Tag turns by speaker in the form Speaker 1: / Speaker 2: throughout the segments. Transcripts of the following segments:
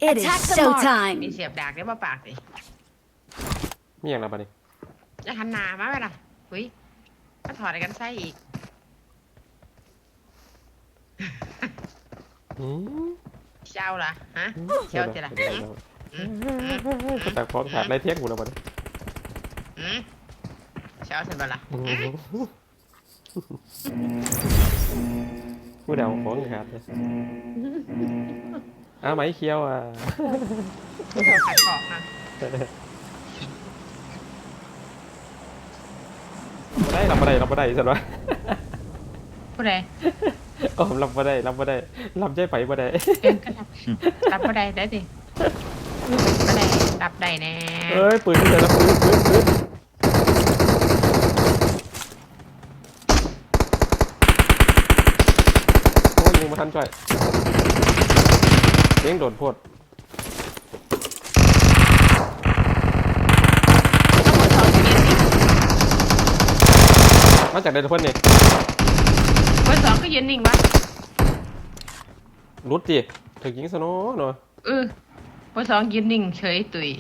Speaker 1: It is showtime.
Speaker 2: นี่เสียบดากได้มาปากสิ
Speaker 3: มีอย่างไรบ้างนี่
Speaker 2: จะหันหน้ามาไหมล่ะหุ้ยมาถอดอะไรกันไส้อีกเจ้าล่ะฮะเจ้าจะล่ะ
Speaker 3: แต่พร้อมขาดไรเที่ยงกูแล้วบ้าง
Speaker 2: เจ้าฉันบ้าล่ะ
Speaker 3: กูเดาของขาดเลยไหมเคี้ยว
Speaker 2: เจ้าขัดของนะ
Speaker 3: รับมาได้สิวะ
Speaker 2: ผู้ใด
Speaker 3: รับมาได้รับใจไปมาได้
Speaker 2: รับมาได้สิมาได้รับได้แน่
Speaker 3: เอ้ยปืนที่ไหนละปืนโอ้ยยิงมาทันจ่อยเลี้ยงโดนโพดมาจากใดทุกคนนี่
Speaker 2: เบอร์ 2ก็ยืนนิ่งวะ
Speaker 3: รุดดิถึงยิงสโน่เนาะ
Speaker 2: เบอร์ 2ยืนนิ่งเฉยตุย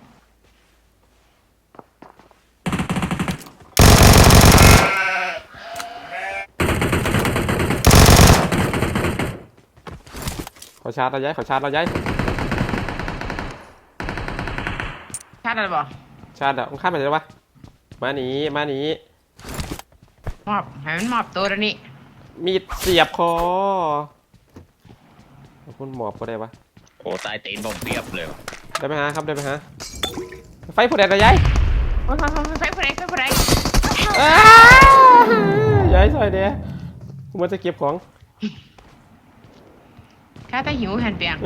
Speaker 3: ขอชาร์จเราย้ายชาร์จอะไร
Speaker 2: บ่
Speaker 3: ชาร์จมึงข้ามไปเลยวะมาหนี
Speaker 2: มอบให้มันมอบตัวแล้วนี่
Speaker 3: มีดเสียบคอคุณหมอบก็ได้ปะ
Speaker 4: โอ้ตายตีนผมเรียบเลย
Speaker 3: ได้ไหมฮะครับได้ไหมฮะไฟผู้ใดระยาย
Speaker 2: ไฟผู้ใด
Speaker 3: ย้ายซอยเดียกูมันจะเก็บของ
Speaker 2: ข้าตาหิวหันเปียง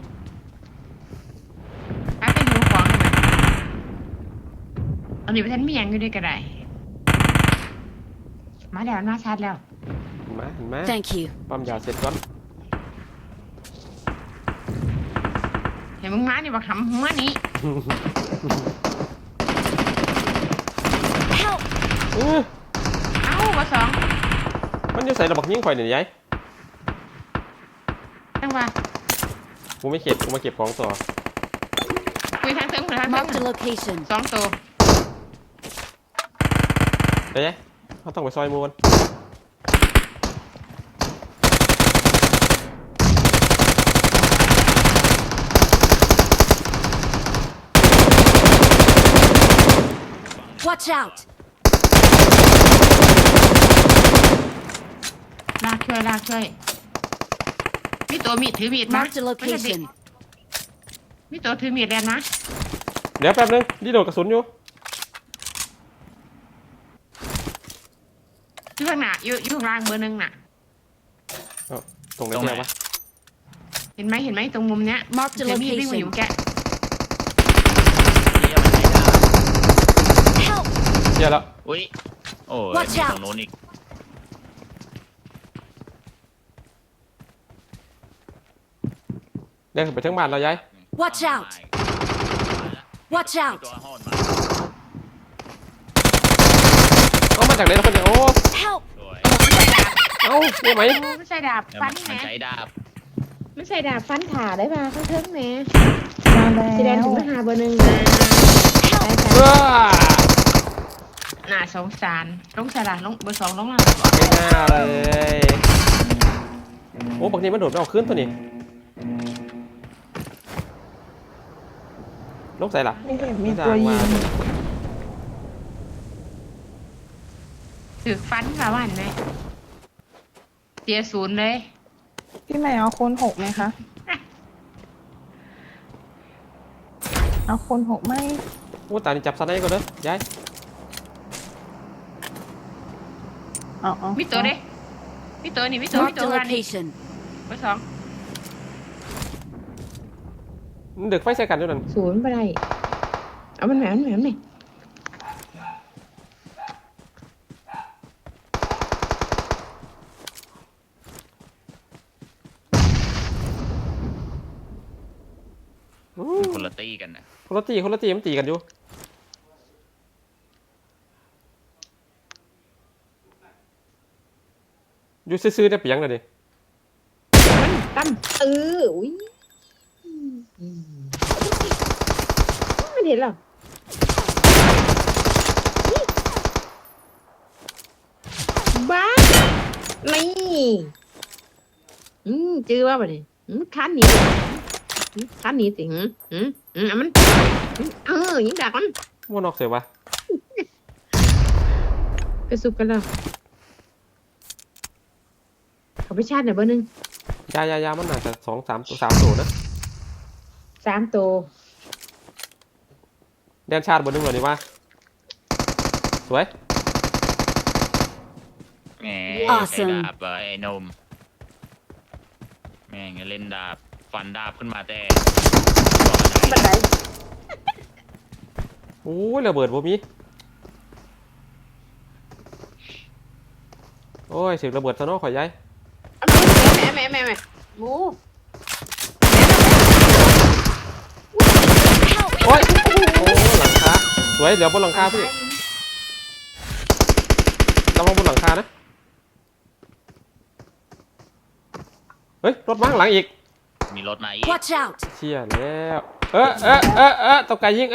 Speaker 2: ข้าตาหิวของอันนี้ไปท่านมียังอยู่ด้วยกันได้มาแล้วมาชาร์จแล้ว
Speaker 3: มา
Speaker 1: Thank you
Speaker 3: ปั๊มยาเสร็จก่อน
Speaker 2: เห็นมึงมานี่บอกทำมานี่เอ้าเบอร์ 2
Speaker 3: มันจะใส่ระบบยิงข่อยหน่อยยัย
Speaker 2: จังหวะ
Speaker 3: กูมาเก็บของต่อ
Speaker 2: คุยทางเทิง
Speaker 1: Mark the location
Speaker 2: 2 ตัว
Speaker 3: เดี๋ยวเขาต้องไปซอยมูน
Speaker 1: Watch out
Speaker 2: ลากช่วยมีตัวมีดถือมีด
Speaker 1: Mark the location
Speaker 2: มีตัวถือมีดแลนนะ
Speaker 3: เดี๋ยวแป๊บนึงดีโดดกระสุนอยู่
Speaker 2: ข้างหน้าอยู่ข้างล่างเบอร์ 1น่ะ
Speaker 3: ตรงไหนเนี่ยวะ
Speaker 2: เห็นไหมตรงมุมเนี้ย
Speaker 1: Mark the location
Speaker 2: วิ่งมาอยู่แก
Speaker 3: เดี๋ยวแล้ว
Speaker 4: อุ้ยโอ้ยตรงโน้นอีก
Speaker 3: เดินไปทั้งบ้านเราย้าย
Speaker 1: Watch out
Speaker 3: เอามาจากไหนเราคนเดียวโอ้
Speaker 1: Help
Speaker 3: นี่ไหม
Speaker 2: ไม่ใช่ดาบฟันแหม
Speaker 4: ใช้ดาบ
Speaker 2: ไม่ใช่ดาบฟันขาได้ป่ะข้างเทิงแหมสีแดงถึงมาหาเบอร์ 1น่าสงสารลงสลัดลงเบอร์ 2ลงล่าง
Speaker 3: ไม่น่าเลยโอ้บางทีมันโดดไม่เอาขึ้นตัวนี้ลงใส่หรอ
Speaker 2: มีตัวยิงถือฟันค่ะว่าเห็นไหมเสีย0เลย
Speaker 5: พี่ใหม่เอาคน6ไหมคะเอาคน6ไหม
Speaker 3: โอ้ตานี่จับสไนก่อนเด้อยาย
Speaker 2: มีตัวเด้มีตัวนี่มีตัว
Speaker 1: Mark the location
Speaker 2: เบอร์ 2
Speaker 3: มันดึกไฟใส่กันด้วยนั่น
Speaker 2: 0ไปได้เอามันแหมนี่
Speaker 4: คนละตีกันนะ
Speaker 3: คนละตีมันตีกันอยู่ซื้อได้เปียงเลยดิ
Speaker 2: ตั้มอุ้ย
Speaker 6: เห็นหรอบ้านี่จื้อว่าบ่ดิคันหนีคันหนีสิมันยิงดักมัน
Speaker 3: ว่านอกเสียวะ
Speaker 6: ไปสุกกันแล้วเขาไปชาร์จหน่อยเบอร์หนึ่ง
Speaker 3: ยามันอาจจะ3 ตัวนะ
Speaker 6: 3 ตัว
Speaker 3: แดนชาติบนนึงเลยนี่ว่าสวย
Speaker 4: แหม
Speaker 1: Awesome
Speaker 4: ไอ้ดาบไอ้นมแม่งเล่นดาบฟันดาบขึ้นมาแต่
Speaker 6: บันได
Speaker 3: โอ้ยระเบิดบ่มีโอ้ยเสียงระเบิดซะเนาะข่อยย้าย
Speaker 6: แม่หมู
Speaker 3: โอ้ยโอ้หลังคาสวยเดี๋ยวบนหลังคาพี่ระวังบนหลังคานะเฮ้ยรถมาข้างหลังอีก
Speaker 4: มีรถมาอีก
Speaker 1: Watch out!
Speaker 3: เชี่ยแล้วตกไก่ยิง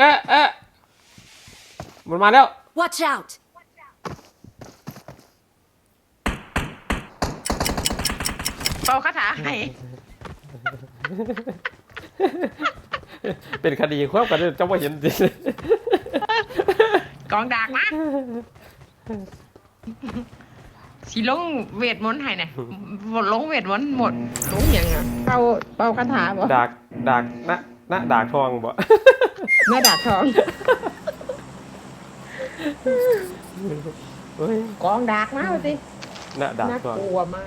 Speaker 3: มันมาแล้ว
Speaker 1: Watch out!
Speaker 2: เป่าคาถาให้
Speaker 3: เป็นคดีควบกันเจ้าว่าเห็นจริง
Speaker 2: กองดากนะสิลงเวทมนต์ให้เนี่ยลงเวทมนต์หมด
Speaker 6: หมูอย่างอ่ะเป่าคาถาบ่
Speaker 3: ดากนะดากทองบ่
Speaker 6: แม่ดาบทอง
Speaker 3: เฮ้ย
Speaker 6: กองดากมาสิ
Speaker 3: นะดาก
Speaker 6: น่า
Speaker 3: ทอง
Speaker 6: กลัวมาก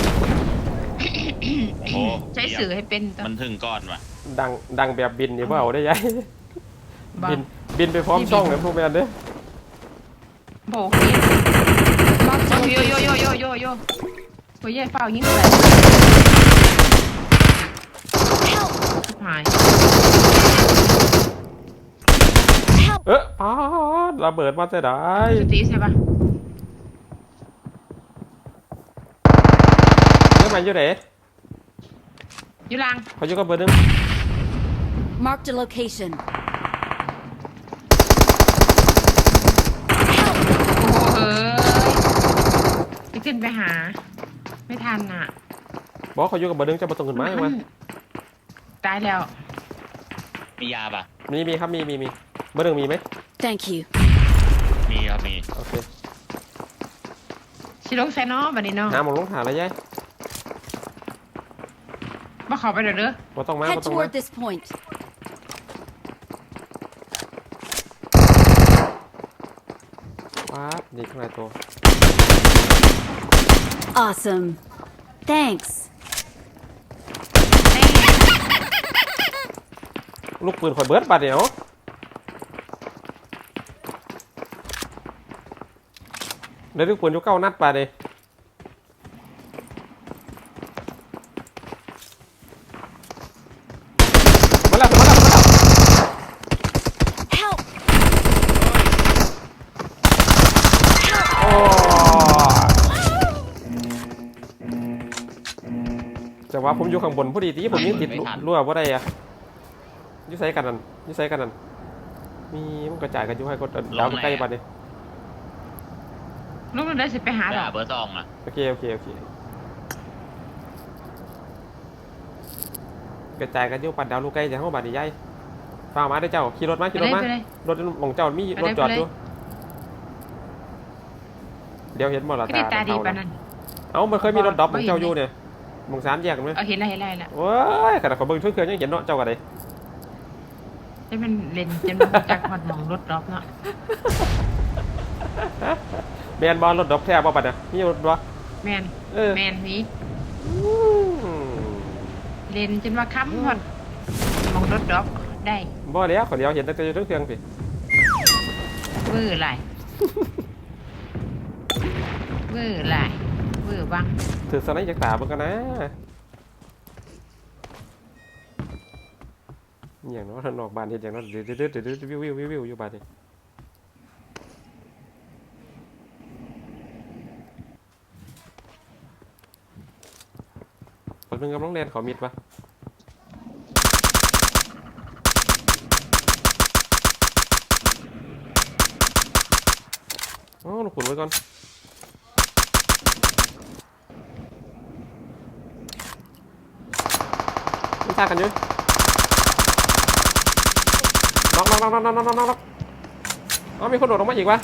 Speaker 4: โอ้
Speaker 2: ใช้สื่อให้เป็นตัว
Speaker 4: มันถึงก้อนว่ะ
Speaker 3: ดังแบบบินนี่ว่าเอาได้ยัย
Speaker 2: บ้า
Speaker 3: บินไปพร้อมช่องเลยพวกแมนเด้อ
Speaker 2: โบกนี่
Speaker 1: Marked a
Speaker 2: โย
Speaker 1: location.
Speaker 2: โยโอ้ยยายเฝ้ายิงอะไร
Speaker 1: Help!
Speaker 2: หาย
Speaker 1: Help!
Speaker 3: ป๊าดระเบิดมาแต่ได้
Speaker 2: สตีใช่ปะ
Speaker 3: เรื่องมันอยู่ไหน
Speaker 2: อยู่ล่าง
Speaker 3: เขาอยู่กับเบอร์หนึง
Speaker 1: Marked a location.
Speaker 2: โอ้เอ้ยไปขึ้นไปหา ไม่ทันอ่ะ
Speaker 3: บอกเขาอยู่กับเบอร์หนึงจะมาตรงขึ้นมาไหม
Speaker 2: ตายแล้ว
Speaker 4: มียาป่ะ
Speaker 3: มีครับมีเบอร์หนึงมีไหม
Speaker 1: Thank you.
Speaker 4: มีครับมี
Speaker 3: โอเค
Speaker 2: ชิลงไซนอบันนี้เนาะ
Speaker 3: หาหมองลงหาอะไรยัย
Speaker 2: มาขอไปเด้อ
Speaker 3: บ่ต้องมา
Speaker 1: Head
Speaker 3: บ่ต้องมา
Speaker 1: toward this point.
Speaker 3: ว้าบนี่ข้างในตัว
Speaker 1: Awesome. Thanks.
Speaker 3: ลูกปืนข่อยเบิร์ดบาดเดียวได้ลูกปืนอยู่9 นัดบาดเดียวมาแล้ว
Speaker 1: Help!
Speaker 3: โอ้จังหวะผมอยู่ข้างบนพอดีที่ผมยังติดรั่วว่าได้อะยุ่ใส่กันนั่นมีมันกระจายกันอยู่ให้ก็ดาวใกล้บัดนี้
Speaker 2: ลูกได้สิไปหาหรอ
Speaker 4: เบอร์2อ่ะ
Speaker 3: โอเคกระจายกันอยู่ปัดดาวลูกใกล้จะเข้าบัดนี้ใหญ่ฟังมาได้เจ้าขี่รถมารถของเจ้ามีรถจอดอยู่เดี๋ยวเห็นมอล
Speaker 2: ก็ได้ตาดีปะนั่น
Speaker 3: เอ้ามันเคยมีรถดรอปของเจ้าอยู่เนี่ยมองสามแยกกันไหม
Speaker 2: เห็นแล้ว
Speaker 3: โอ้ยขนาดเขาเบิ่งช่วยเครื่องยังเห็นเนาะเจ้ากันเลย
Speaker 2: ให้มันเล่นจนมันจักหอดมองรถรอบเนาะ
Speaker 3: แมนบอลรถดรอปแท้บ่ปัดนะมีรถบ่
Speaker 2: แมน แมนนี้ เล่นจนว่าค้ำหอดมองรถรอบได้
Speaker 3: บ่แล้วขอเดียวเห็นแต่อยู่ทั้งเครื่องสิ
Speaker 2: วื้อไรวื้อบัง
Speaker 3: ถือสไนจากตาเบิ่งกันนะอย่างนั้นทางนอกบ้านเห็นอย่างนั้นเดือดวิวอยู่บ้านนี่คนนึงกำลังเรียนขอมิดปะอ๋อหนูขุนไว้ก่อนไม่ทรากันอยู่น็อกอ๋อมีคนโดดลงมาอีกวะ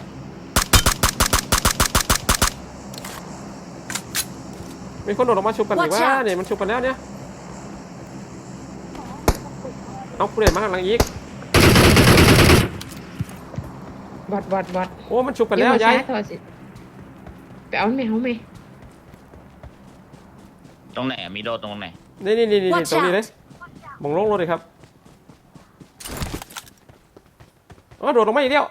Speaker 3: มีคนโดดลงมาชุบกันอีกวะเนี่ยมันชุบกันแล้วเนี่ยเอาผู้เล่นมาข้างหลังอีก
Speaker 6: บอด
Speaker 3: โอ้มันชุบกันแล้วยาย
Speaker 6: โทรสิไปเอาแมวไหม
Speaker 4: ตรงไหนอะมีโดดตรงไหน
Speaker 3: นี่
Speaker 1: Watch
Speaker 3: ตรงนี้
Speaker 1: out
Speaker 3: เลยมองลงรถเลยครับอ๋อโดดลงมาอีกแล้ว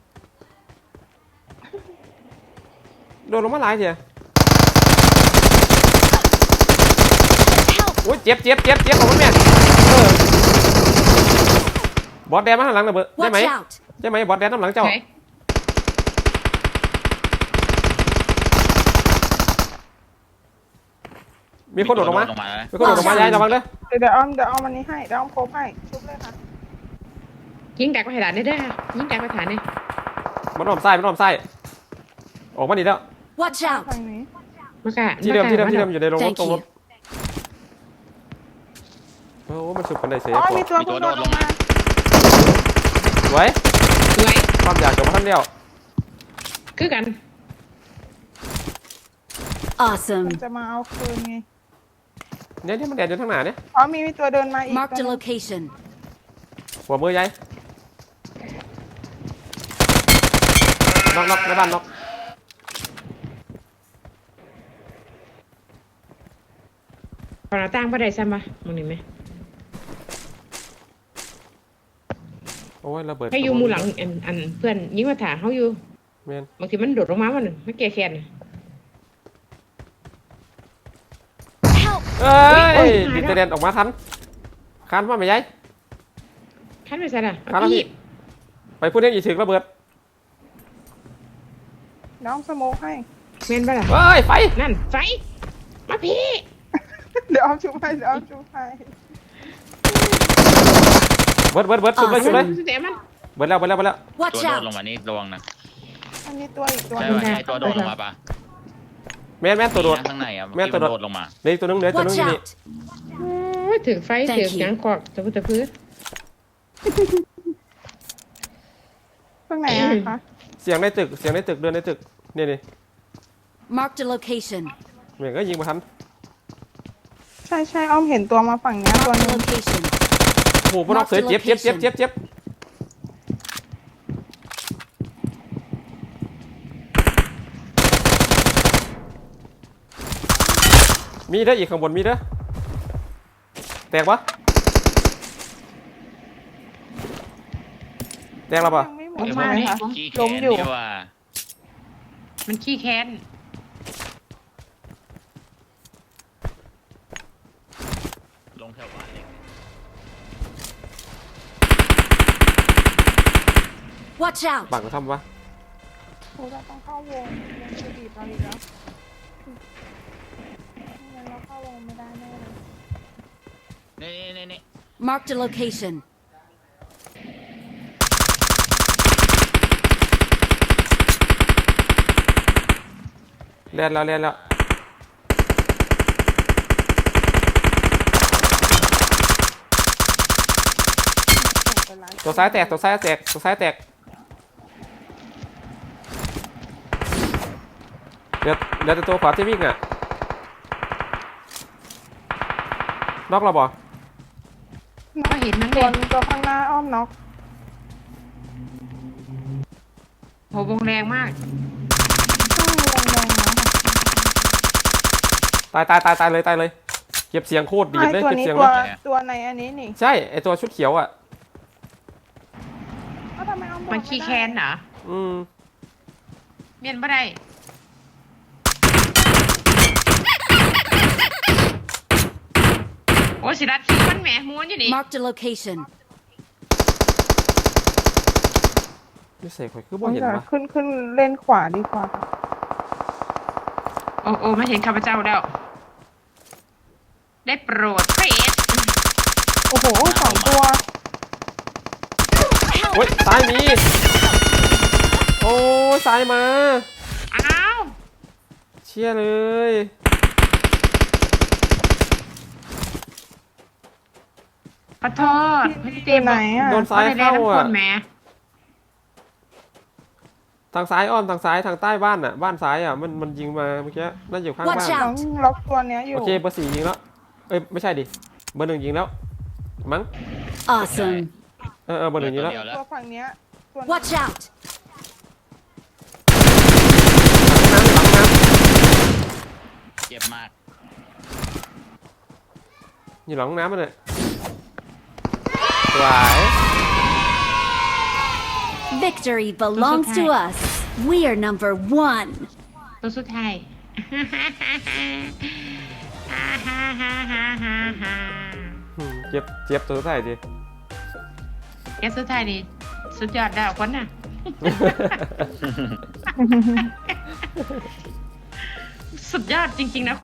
Speaker 3: โดดลงมาหลายเถีย
Speaker 1: Help!
Speaker 3: โอ้ยเจ็บของมันแม่บอสแดนมาข้างหลังนะเบอร์ได้
Speaker 1: Watch
Speaker 3: ไหม
Speaker 1: out!
Speaker 3: ใช่ไหมบอสแดนน้ำหลังเจ้า
Speaker 2: ไหน
Speaker 3: มีคนโดดลงมา
Speaker 4: แล้ว
Speaker 3: มีคนโดดลงมายายระวังเด้อ
Speaker 5: เดี๋ยวอ้อมอันนี้ให้เดี๋ยวอ้อมโคบให้ชุบเลยค่ะ
Speaker 6: ยิงดักไปฐานได้ด้วยค่ะยิงดักไปฐานเลย
Speaker 3: มันอ้อมไส้ออกมาดีแล้ว
Speaker 1: Watch out!
Speaker 5: ทางนี้
Speaker 6: มากะ
Speaker 3: ที่เดิมอยู่ในโรงรถ
Speaker 1: Thank
Speaker 3: ตรงร
Speaker 1: you.
Speaker 3: ถโอ้มันสุดกันได้เสีย
Speaker 5: อ๋อ
Speaker 3: พว
Speaker 5: มี
Speaker 3: ก
Speaker 5: ตัวพุ่งโดดลงมา
Speaker 3: สวย
Speaker 6: สวย
Speaker 3: ความอยากจบมาท่านเดียว
Speaker 6: คือกัน
Speaker 1: Awesome.
Speaker 5: จะมาเอาคืนไง
Speaker 3: เนี่ยมันแดดอยู่ทางหน้าเนี่ย
Speaker 5: อ๋อมีตัวเดินมาอีก
Speaker 1: Marked
Speaker 5: ตั
Speaker 1: a
Speaker 5: วหนึ่ง
Speaker 1: location.
Speaker 3: หัวมือยายน็อกในบ้านน็อก
Speaker 6: พอเราตั้งประเดี๋ยวซ้ำปะมึงเห็นไหม
Speaker 3: โอ้ยระเบิด
Speaker 6: ให้อยู่หมูหลังอันเพื่อนยิงมาถาเขาอยู่
Speaker 3: เมน
Speaker 6: บางทีมันโดดลงมามันไม่แก่แค้น
Speaker 1: Help!
Speaker 3: เอ้
Speaker 6: โอ้
Speaker 3: ย
Speaker 6: ย
Speaker 3: ดิเตเดนออกมาทันคันมาไหมยาย
Speaker 6: ขั้นไปซะละ
Speaker 3: คันแล้วพี่ไปพูดเรื่องอีถึงระเบิด
Speaker 5: น้องสโมกให้
Speaker 6: เมนปะล่ะ
Speaker 3: เฮ้ยไฟ
Speaker 6: นั่นไฟมาพี่
Speaker 5: เดี๋ยวอ้อมชุบให้เดี๋ยวอ้อมชุบให้
Speaker 3: เบิดชุบเลย
Speaker 6: เดี๋ยวมัน
Speaker 3: เบิดแล้ว
Speaker 4: ตัว
Speaker 1: Watch
Speaker 4: โดดลง
Speaker 1: out!
Speaker 4: มานี่ระวังนะ
Speaker 5: มันมีตัวอีกตัว
Speaker 4: ใช่
Speaker 5: หนึง
Speaker 4: ป่ะไอ้ตัวโดดลงมาปะ
Speaker 3: แม่นตัวโดด
Speaker 4: มีนะข้างในอะ
Speaker 3: แม่ตัวโดด
Speaker 4: ที่นลงมา
Speaker 3: เหลือตัวนึงอยู่
Speaker 1: Watch
Speaker 3: นี่
Speaker 1: out!
Speaker 6: โอ้ยถือไฟ
Speaker 1: Thank
Speaker 6: ถือ
Speaker 1: you
Speaker 6: หยังกอกตะพุตะพื้น
Speaker 5: ตรงไหนอะคะ
Speaker 3: เสียงในตึกเดินในตึกนี่
Speaker 1: Marked a location.
Speaker 3: เหมือนก็ยิงมาทัน
Speaker 5: ใช่อ้อมเห็นตัวมาฝั่งเนี้ยตัว
Speaker 1: Marked
Speaker 5: ห
Speaker 1: a
Speaker 5: นึง
Speaker 1: location.
Speaker 3: โอ้โหพวกนอกเสือเจ็บมีเด้ออีกข้างบนมีเด้อแตกปะแตกแล้วปะ
Speaker 5: ยังไม่หม
Speaker 6: อ
Speaker 5: ด
Speaker 6: อก
Speaker 5: ใช่
Speaker 6: มา
Speaker 5: ไหม
Speaker 6: เนี่ย
Speaker 5: คะ
Speaker 4: ขี้แข
Speaker 5: ล้ม
Speaker 4: น
Speaker 5: อยู่
Speaker 4: นี่ว่า
Speaker 6: มันขี้แค้น
Speaker 4: ลงแถวบ้านเล็ก
Speaker 1: Watch out!
Speaker 3: บังทำปะ
Speaker 5: โอ้เราต้องเข้าวงยังจะบีบเราอีกแล้วไม่งั้นเราเข้าวงไม่ได้แน่เลย
Speaker 4: นี่
Speaker 1: Marked a location.
Speaker 3: เลียนแล้วตัวซ้ายแตกเดี๋ยวแต่ตัวขวาที่วิ่งอ่ะน็อกเราบ่
Speaker 6: ก็เห็นมัน
Speaker 5: ตั
Speaker 6: เล
Speaker 5: วย ตัวข้างหน้าอ้อมน็อก
Speaker 6: โหวงแรงมาก
Speaker 5: ช่วงวงแดงนะ
Speaker 3: ตายเลยเก็บเสียงโคตรดี
Speaker 5: ไอ
Speaker 3: เลย
Speaker 5: ตัว
Speaker 3: เก็บ
Speaker 5: นี้
Speaker 3: เสียง
Speaker 5: ตัว
Speaker 3: เลย
Speaker 5: ตัวในอันนี้นี่
Speaker 3: ใช่ไอตัวชุดเขียวอ่ะ
Speaker 5: เอ้าทำไมอ้อมบอก
Speaker 6: มันขี้แค้นเหรอ
Speaker 3: อืม
Speaker 6: เมียนบ่ได้โอ้ยสิรัดขี้มันแหมม้วนอยู่นี่
Speaker 1: Marked a location.
Speaker 3: นี่เสกข่อยคือ
Speaker 5: ไม่
Speaker 3: บ่
Speaker 5: ได้
Speaker 3: เห็น
Speaker 5: เดี๋ยว
Speaker 3: ปะ
Speaker 5: ขึ้นเล่นขวาดีกว่าค่ะ
Speaker 6: โอ้มาเห็นข้าพเจ้าแล้ว ได้โปรดเฟส
Speaker 5: โอ้โหสองตัว
Speaker 3: โอ้ยซ้ายมีโอ้ยยซ้ายมา
Speaker 2: อ้าว
Speaker 3: เชี่ยเลย
Speaker 2: ขอโทษพี่เจมส์
Speaker 5: ไหนอ่ะ
Speaker 3: โดนซ้ายเข้า
Speaker 2: ค
Speaker 3: อ่ะ
Speaker 2: นแหม่
Speaker 3: ทางซ้ายอ้อมทางซ้ายทางใต้บ้านอ่ะบ้านซ้ายอ่ะมันยิงมาเมื่อกี้น่าจะอยู่ข้างบ้าน
Speaker 1: Watch
Speaker 5: น้
Speaker 1: out
Speaker 5: องล็อกตัวเนี้ยอยู่
Speaker 3: โอเคเบอร์ 4ยิงแล้วเอ้ยไม่ใช่ดิเบอร์ 1ยิงแล้วมั้ง
Speaker 1: Awesome.
Speaker 3: เบอร์ 1ยิงแล้ว
Speaker 4: เดี๋ยวแล้ว
Speaker 5: ตัวฝั่งเนี้ยตัว
Speaker 1: Watch out.
Speaker 4: เจ็บมาก
Speaker 3: อยู่หลังห้องน้ำมันเลยสวย
Speaker 1: Victory belongs to us. We are number 1.
Speaker 2: ตัวสุดท้าย
Speaker 3: เจ็บตัวใส่ดิ
Speaker 2: แกสุดท้ายนี่สุดยอดดาวคนน่ะ สุดยอดจริงๆนะ